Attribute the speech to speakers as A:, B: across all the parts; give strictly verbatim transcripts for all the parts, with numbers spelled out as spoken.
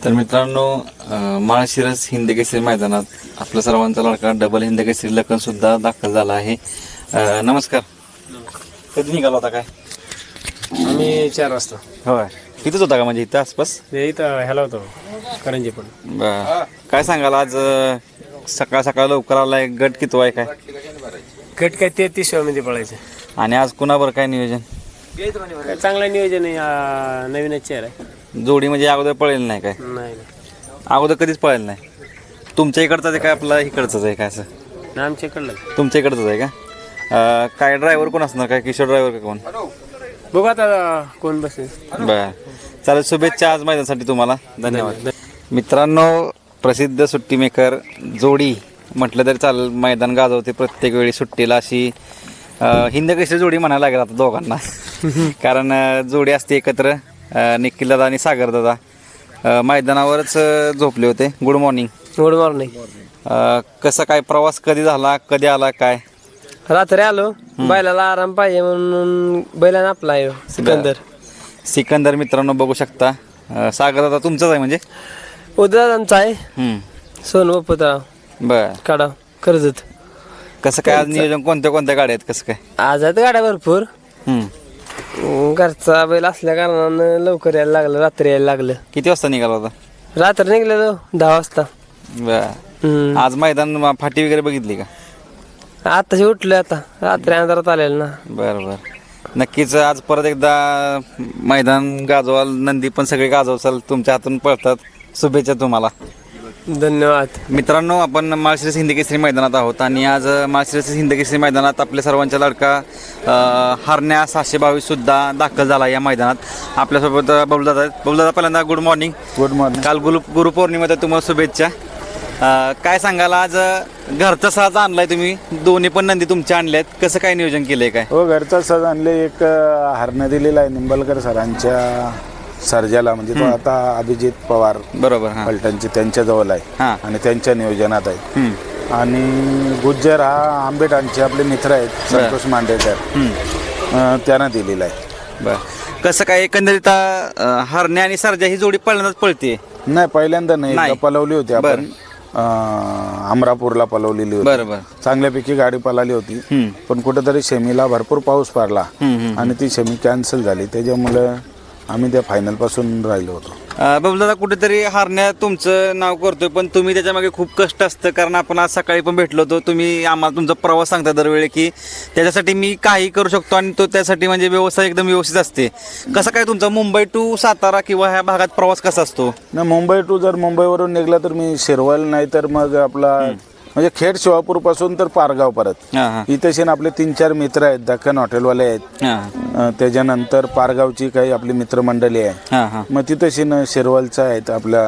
A: तर मित्रांनो माळशिरस हिंदकेसरी मैदानात आपल्या सर्वांचा लाडका डबल हिंदकेसरी लखन सुद्धा दाखल झाला आहे. नमस्कार. कधी निघाला होता काय?
B: आम्ही चार वाजता.
A: होय, इथंच होता का म्हणजे इथं आसपास?
B: इथं ह्याला होतो करंजी पण.
A: बर, काय सांगाल आज सकाळ सकाळ लवकर आलाय, गट किती आहे काय?
B: गट काय तेहतीस मध्ये पळायचं.
A: आणि आज कुणाबर काय नियोजन?
B: काय चांगलं नियोजन आहे. आ, नवीनच चेहरा आहे.
A: जोडी म्हणजे अगोदर पळेल नाही काय?
B: नाही
A: अगोदर कधीच पळेल नाही. तुमच्या इकडचं आहे काय आपला इकडचंच आहे काय? असं
B: नाही आमच्या इकडलं.
A: तुमच्या इकडचंच आहे का? अं, काय ड्रायव्हर कोण असणार काय? किशोर ड्रायव्हर का कोण?
B: बघू आता कोण बसेल.
A: बर, चालेल. शुभेच्छा आज मैदानासाठी तुम्हाला. धन्यवाद. मित्रांनो, प्रसिद्ध सुट्टी मेकर जोडी म्हटलं तरी चालेल, मैदान गाजवते प्रत्येक वेळी सुट्टीला. अशी हिंदकेसरी जोडी म्हणायला लागेल आता दोघांना. कारण अं, जोडी असते एकत्र. निखिल दादा आणि सागर दादा मैदानावरच झोपले होते. Good morning.
B: Good morning.
A: कसा काय प्रवास, कधी झाला, कधी आला काय?
B: रात्री आलो. बैलाला आराम पाहिजे म्हणून बैलाने आपला आहे सिकंदर.
A: सिकंदर मित्रांनो बघू शकता. अं, सागर दादा तुमचाच आहे म्हणजे?
B: उद्याचा आहे.
A: हम्म.
B: सोनू पुतळा
A: बर,
B: काढा कर्जत.
A: कसं काय आज नियोजन? कोणत्या कोणत्या गाड्या आहेत? कसं काय?
B: आज आहेत गाड्या भरपूर.
A: हम्म.
B: घरचा बैल असल्या कारणानं लवकर यायला लागलं, रात्री यायला लागलं.
A: किती वाजता निघाला होता?
B: रात्री निघलेलो दहा वाजता.
A: बर.
B: हम्म.
A: आज मैदान फाटी वगैरे बघितली का?
B: आताशी उठलोय आता. रात्री अंधारात आलेलं ना.
A: बरं बरं, नक्कीच. आज परत एकदा मैदान गाजवाल, नंदी पण सगळे गाजवचाल, तुमच्या हातून पळतात. शुभेच्छा तुम्हाला.
B: धन्यवाद.
A: मित्रांनो, आपण माळशिरस हिंदकेसरी मैदानात आहोत आणि आज माळशिरस हिंदकेसरी मैदानात आपल्या सर्वांच्या लाडका हरण्या सहाशे बावीस सुद्धा दाखल झाला या मैदानात. आपल्यासोबत बबलदादा आहेत. बबलदादा, पहिल्यांदा गुड मॉर्निंग.
C: Good morning.
A: काल गुरु गुरुपौर्णिमेचा तुम्हाला शुभेच्छा. काय सांगाल, आज घरचा साज आणलाय तुम्ही, दोन्ही पण नंदी तुमच्या आणल्यात, कसं काय नियोजन केलंय काय?
C: हो, घरचा सज आणले. एक हरणं दिलेला आहे निंबलकर सरांच्या सर्जाला, म्हणजे तो आता अभिजित पवार
A: बरोबर, हां,
C: पलटणचे त्यांच्या जवळ आहे
A: हां,
C: आणि त्यांच्या नियोजनात आहे.
A: हम्म,
C: आणि गुज्जर हा आंबेटांचे आपले मित्र आहेत, संतोष मांडेकर,
A: हम्म.
C: त्यांना दिलेला आहे.
A: बर, कसं काय एकंदरीत अं, हरण्या आणि सर्जा ही जोडी पहिल्यांदाच पळते?
C: नाही, पहिल्यांदा नाही,
A: नाही.
C: एकदा पलवली होती आपण. अं, अमरापूरला पलवलेली होती.
A: बरोबर.
C: चांगल्यापैकी गाडी पळाली होती.
A: हम्म,
C: पण कुठेतरी शेमीला भरपूर पाऊस पडला
A: हम्म, हम्म.
C: आणि ती शेमी कॅन्सल झाली. त्याच्यामुळे आम्ही त्या फायनल पासून राहिलो होतो.
A: अं, बबलदादा, कुठेतरी हरण्या तुमचं नाव करतोय, पण तुम्ही त्याच्यामागे खूप कष्ट असतं. कारण आपण आज सकाळी पण भेटलो होतो. तुम्ही आम्हाला तुमचा प्रवास सांगता दरवेळी की त्याच्यासाठी मी काही करू शकतो आणि तो त्यासाठी म्हणजे व्यवस्था एकदम व्यवस्थित असते. कसं काय तुमचा मुंबई टू सातारा किंवा ह्या भागात प्रवास कसा असतो?
C: ना, मुंबई टू जर मुंबईवरून निघला तर मी शिरवल, नाही तर मग आपला म्हणजे खेड शिवापूर पासून तर पारगाव परत.
A: हां हां
C: इथे आपले तीन चार मित्र आहेत, दख्खन हॉटेलवाले आहेत.
A: हां
C: अं, त्याच्यानंतर पारगावची काही आपली मित्रमंडळी आहे.
A: हां हां
C: मग तिथेशी न शिरवलचं आहेत आपल्या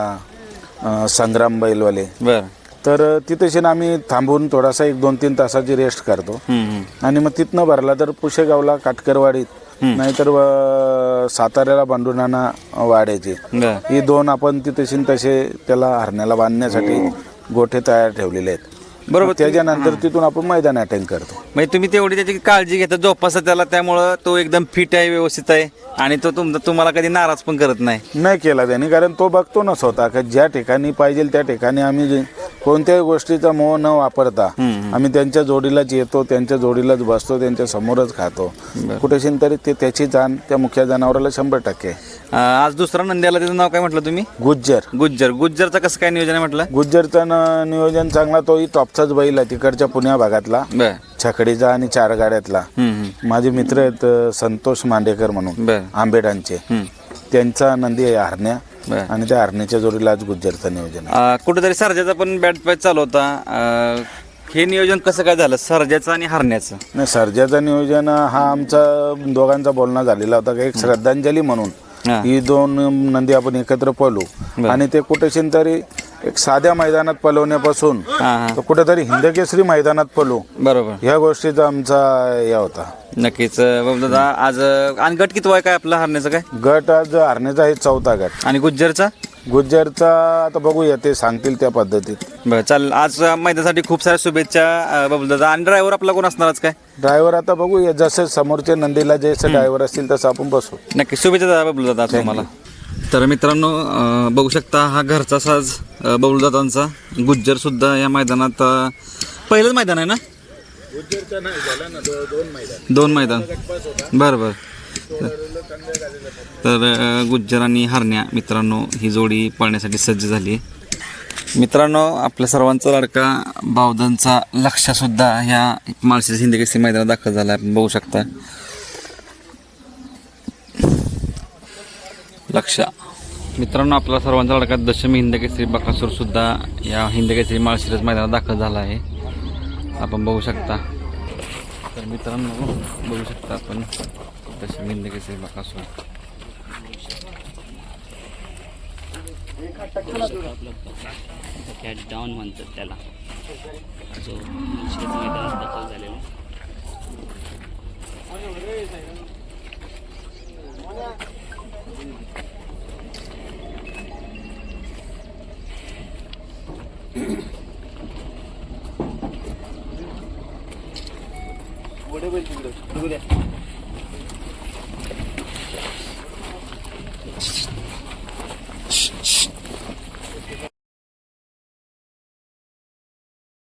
C: अं, संग्राम बैलवाले.
A: बरं.
C: तर तिथेशी आम्ही थांबून थोडासा एक दोन तीन तासाची रेस्ट करतो.
A: हम्म, हम्म.
C: आणि मग तिथनं भरला तर पुशेगावला काटकरवाडीत, नाहीतर अं, साताऱ्याला बांडुनाना वाड्याचे,
A: बरं.
C: ही दोन आपण तिथेशी तसे त्याला हरण्याला बांधण्यासाठी गोठे तयार ठेवलेले आहेत.
A: बरोबर.
C: त्याच्यानंतर तिथून आपण मैदान अटेंड करतो.
A: म्हणजे तुम्ही तेवढी त्याची काळजी घेता, जोपासा त्याला, त्यामुळं तो एकदम फिट आहे, व्यवस्थित आहे आणि तो तुम तुम्हाला कधी नाराज पण करत नाही.
C: नाही केला त्याने, कारण तो बघतो ना स्वतः का ज्या ठिकाणी पाहिजे त्या ठिकाणी आम्ही जे- कोणत्याही गोष्टीचा मोह न वापरता आम्ही त्यांच्या जोडीलाच येतो, त्यांच्या जोडीलाच बसतो, त्यांच्या समोरच खातो. कुठेशी तरी ते त्याची जाण त्या मुख्य जनावराला शंभर टक्के.
A: अं, आज दुसरा नंद्याला त्याचं नाव काय म्हटलं तुम्ही?
C: गुज्जर.
A: गुज्जर. गुज्जरचं कसं काय नियोजन आहे म्हटलं?
C: गुज्जरचं न- नियोजन चांगला. तोही टॉपचाच बैल आहे, तिकडच्या पुण्या भागातला,
A: बर.
C: छकडीचा आणि चार गाड्यातला.
A: हम्म, हम्म.
C: माझे मित्र आहेत अ, संतोष मांडेकर म्हणून,
A: बर.
C: आंबेडांचे.
A: हम्म.
C: त्यांचा नंदी आहे हरण्या,
A: बर.
C: आणि त्या हरण्याच्या जोडीला आज गुज्जरचं नियोजन आहे.
A: अं, कुठेतरी सर्जाचा पण बॅट पॅच चालू होता. अं, हे नियोजन कसं काय झालं, सर्जाचं आणि हरण्याचं?
C: नाही, सर्जाचं नियोजन हा आमचा दोघांचा बोलणं झालेला होता, की एक श्रद्धांजली म्हणून
A: हा.
C: ही दोन नंदी आपण एकत्र पळू. आणि ते कुठेशी तरी एक साध्या मैदानात पळवण्यापासून
A: हा हा
C: तर कुठेतरी हिंदकेसरी मैदानात पळू,
A: बरोबर.
C: ह्या गोष्टीचा आमचा या होता.
A: नक्कीच. दादा, आज आणि गट किती आहे काय आपला हरण्याचं काय?
C: गट आज हरण्याचा आहे चौथा गट.
A: आणि गुज्जरचा?
C: गुज्जरचा आता बघूया, ते सांगतील त्या पद्धतीत.
A: बरं, चालेल. आज मैदानासाठी खूप साऱ्या शुभेच्छा बबलू दादा. आणि ड्रायव्हर आपला कोण असणारच काय?
C: ड्रायव्हर आता बघूया, जसे समोरच्या नंदीला जसं ड्रायव्हर असतील तसं आपण बसू.
A: नक्की. शुभेच्छा दादा, बबलू दादा तुम्हाला. तर मित्रांनो अं, बघू शकता हा घरचा साज अं, बबलूदादांचा गुज्जर सुद्धा या मैदानात अं, पहिलंच मैदान आहे ना दोन मैदान बरं बरं तर अं, गुज्जर आणि हरण्या मित्रांनो ही जोडी पळण्यासाठी सज्ज झाली. मित्रांनो आपल्या सर्वांचा लाडका बावधनचा लक्ष सुद्धा ह्या माळशिरस हिंदी केसरी मैदानात दाखल झाला आपण बघू शकता. लक्ष मित्रांनो आपला सर्वांचा लाडका दशमी हिंद केसरी बकासूर सुद्धा या हिंद केसरी माळशिरस मैदानात दाखल झाला आहे आपण बघू शकता. तर मित्रांनो बघू शकता आपण दशमी हिंद केसरी बकासूर
D: कॅट डाऊन म्हणतात त्याला जो माळशिरस मैदानात दाखल झालेला.
B: मोठे बैल तिकडे